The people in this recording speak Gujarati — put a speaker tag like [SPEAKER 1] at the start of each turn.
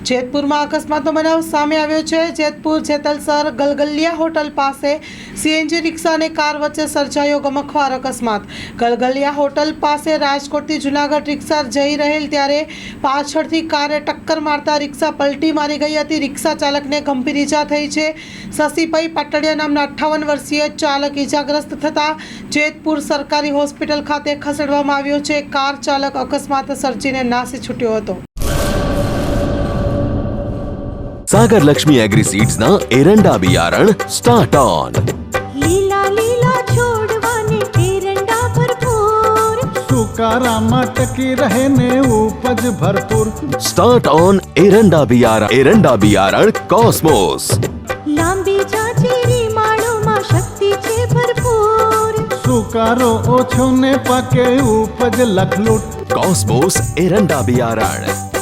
[SPEAKER 1] જેતપુરમાં અકસ્માતનો બનાવ સામે આવ્યો છે। જેતપુર જેતલસર ગલગલિયા હોટલ પાસે સીએનજી રિક્ષા અને કાર વચ્ચે સર્જાયો ગમખ્વાર અકસ્માત। ગલગલિયા હોટલ પાસે રાજકોટથી જૂનાગઢ રિક્ષા જઈ રહેલ ત્યારે પાછળથી કારે ટક્કર મારતા રિક્ષા પલટી મારી ગઈ હતી। રિક્ષા ચાલકને ગંભીર ઈજા થઈ છે। શશીભાઈ પાટડિયા નામના 58 વર્ષીય ચાલક ઈજાગ્રસ્ત થતા જેતપુર સરકારી હોસ્પિટલ ખાતે ખસેડવામાં આવ્યો છે। કાર ચાલક અકસ્માત સર્જીને નાસી છૂટ્યો હતો।
[SPEAKER 2] सागर लक्ष्मी एग्री सीड्स ना एरंडा बियारण स्टार्ट ऑन।
[SPEAKER 3] લીલા લીલા છોડવાને એરંડા ભરપૂર,
[SPEAKER 4] સુકારામાં ટકી રહે ને ઉપજ ભરપૂર।
[SPEAKER 2] स्टार्ट ऑन एरंडा बियारण कॉस्मोस।
[SPEAKER 3] લાંબી જાચેરી માળોમાં શક્તિ છે ભરપૂર,
[SPEAKER 4] સુકારો ઓછો ને પાકે ઉપજ લખલૂટ।
[SPEAKER 2] कॉस्मोस एरंडा बियारण।